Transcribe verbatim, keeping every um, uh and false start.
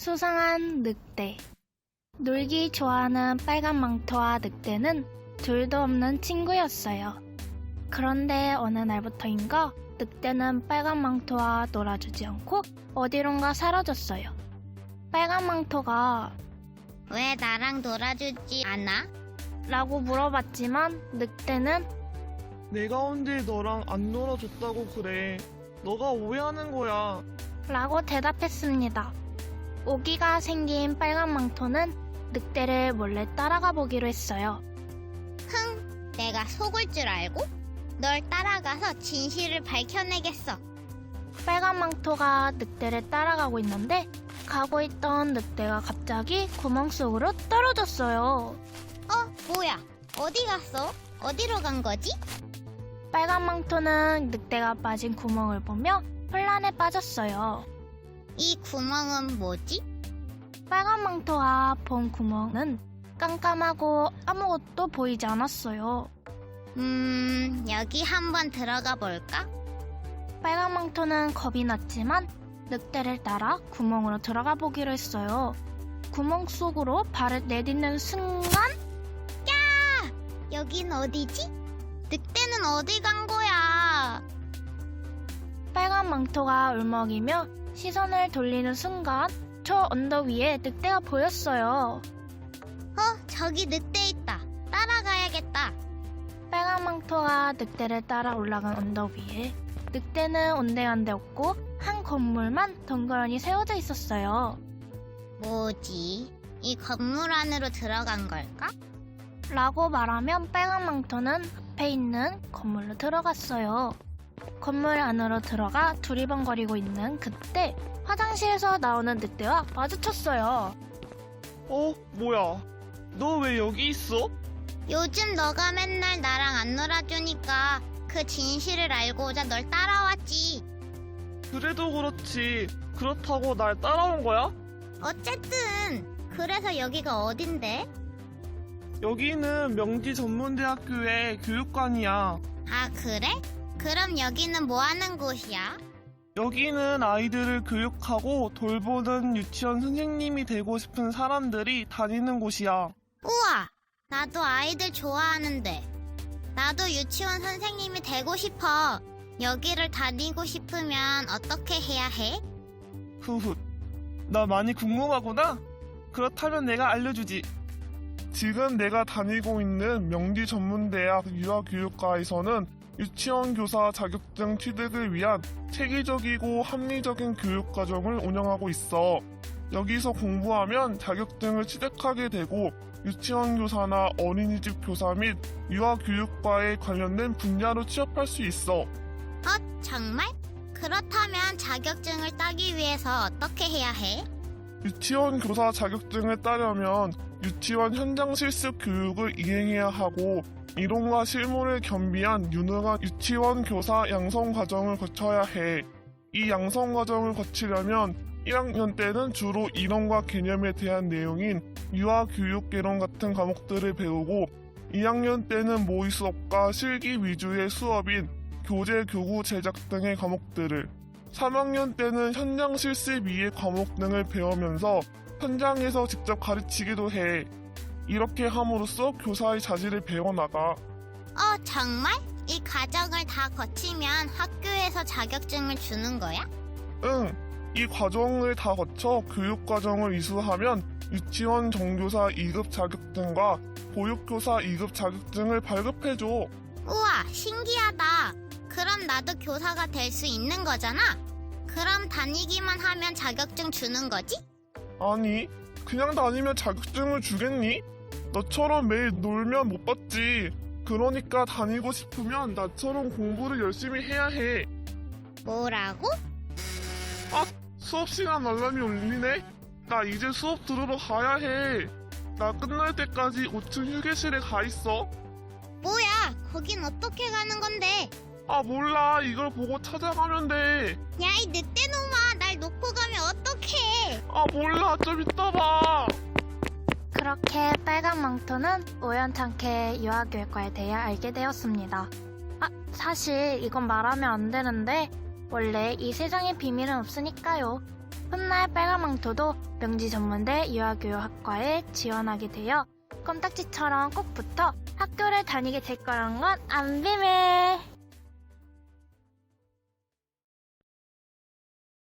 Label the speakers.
Speaker 1: 수상한 늑대. 놀기 좋아하는 빨간 망토와 늑대는 둘도 없는 친구였어요. 그런데 어느 날부터인가 늑대는 빨간 망토와 놀아주지 않고 어디론가 사라졌어요. 빨간 망토가
Speaker 2: 왜 나랑 놀아주지 않아?
Speaker 1: 라고 물어봤지만 늑대는
Speaker 3: 내가 언제 너랑 안 놀아줬다고 그래. 너가 오해하는 거야.
Speaker 1: 라고 대답했습니다. 오기가 생긴 빨간 망토는 늑대를 몰래 따라가 보기로 했어요.
Speaker 2: 흥, 내가 속을 줄 알고? 널 따라가서 진실을 밝혀내겠어.
Speaker 1: 빨간 망토가 늑대를 따라가고 있는데 가고 있던 늑대가 갑자기 구멍 속으로 떨어졌어요.
Speaker 2: 어, 뭐야? 어디 갔어? 어디로 간 거지?
Speaker 1: 빨간 망토는 늑대가 빠진 구멍을 보며 혼란에 빠졌어요.
Speaker 2: 이 구멍은 뭐지?
Speaker 1: 빨간 망토가 본 구멍은 깜깜하고 아무것도 보이지 않았어요.
Speaker 2: 음, 여기 한번 들어가 볼까?
Speaker 1: 빨간 망토는 겁이 났지만 늑대를 따라 구멍으로 들어가 보기로 했어요. 구멍 속으로 발을 내딛는 순간
Speaker 2: 야! 여긴 어디지? 늑대는 어디 간 거야?
Speaker 1: 빨간 망토가 울먹이며 시선을 돌리는 순간 저 언덕 위에 늑대가 보였어요.
Speaker 2: 어, 저기 늑대 있다. 따라가야겠다.
Speaker 1: 빨간 망토가 늑대를 따라 올라간 언덕 위에 늑대는 온데간데 없고 한 건물만 덩그러니 세워져 있었어요.
Speaker 2: 뭐지? 이 건물 안으로 들어간 걸까?
Speaker 1: 라고 말하면 빨간 망토는 앞에 있는 건물로 들어갔어요. 건물 안으로 들어가 두리번거리고 있는 그때 화장실에서 나오는 늑대와 마주쳤어요.
Speaker 3: 어? 뭐야? 너 왜 여기 있어?
Speaker 2: 요즘 너가 맨날 나랑 안 놀아주니까 그 진실을 알고자 널 따라왔지.
Speaker 3: 그래도 그렇지. 그렇다고 날 따라온 거야?
Speaker 2: 어쨌든 그래서 여기가 어딘데?
Speaker 3: 여기는 명지 전문대학교의 교육관이야.
Speaker 2: 아, 그래? 그럼 여기는 뭐 하는 곳이야?
Speaker 3: 여기는 아이들을 교육하고 돌보는 유치원 선생님이 되고 싶은 사람들이 다니는 곳이야.
Speaker 2: 우와, 나도 아이들 좋아하는데. 나도 유치원 선생님이 되고 싶어. 여기를 다니고 싶으면 어떻게 해야 해?
Speaker 3: 후훗. 나 많이 궁금하구나? 그렇다면 내가 알려주지. 지금 내가 다니고 있는 명지 전문대학 유아교육과에서는 유치원 교사 자격증 취득을 위한 체계적이고 합리적인 교육과정을 운영하고 있어. 여기서 공부하면 자격증을 취득하게 되고 유치원 교사나 어린이집 교사 및 유아교육과에 관련된 분야로 취업할 수 있어.
Speaker 2: 어, 정말? 그렇다면 자격증을 따기 위해서 어떻게 해야 해?
Speaker 3: 유치원 교사 자격증을 따려면 유치원 현장 실습 교육을 이행해야 하고 이론과 실무를 겸비한 유능한 유치원 교사 양성 과정을 거쳐야 해. 이 양성 과정을 거치려면 일 학년 때는 주로 이론과 개념에 대한 내용인 유아교육개론 같은 과목들을 배우고 이 학년 때는 모의 수업과 실기 위주의 수업인 교재, 교구 제작 등의 과목들을, 삼 학년 때는 현장 실습 이해 과목 등을 배우면서 현장에서 직접 가르치기도 해. 이렇게 함으로써 교사의 자질을 배워나가.
Speaker 2: 어, 정말? 이 과정을 다 거치면 학교에서 자격증을 주는 거야?
Speaker 3: 응, 이 과정을 다 거쳐 교육과정을 이수하면 유치원 정교사 이 급 자격증과 보육교사 이 급 자격증을 발급해줘.
Speaker 2: 우와, 신기하다. 그럼 나도 교사가 될 수 있는 거잖아? 그럼 다니기만 하면 자격증 주는 거지?
Speaker 3: 아니, 그냥 다니면 자격증을 주겠니? 너처럼 매일 놀면 못 받지. 그러니까 다니고 싶으면 나처럼 공부를 열심히 해야 해.
Speaker 2: 뭐라고?
Speaker 3: 아, 수업 시간 알람이 울리네? 나 이제 수업 들으러 가야 해. 나 끝날 때까지 오 층 휴게실에 가 있어.
Speaker 2: 뭐야, 거긴 어떻게 가는 건데?
Speaker 3: 아, 몰라. 이걸 보고 찾아가면 돼.
Speaker 2: 야, 이 늑대놈아, 날 놓고 가면 어떡해?
Speaker 3: 아, 몰라. 좀 이따 봐.
Speaker 1: 그렇게 빨간 망토는 우연찮게 유아교육과에 대해 알게 되었습니다. 아, 사실 이건 말하면 안 되는데 원래 이 세상에 비밀은 없으니까요. 훗날 빨간망토도 명지전문대 유아교육학과에 지원하게 되어 껌딱지처럼 꼭 붙어 학교를 다니게 될 거란 건 안 비밀!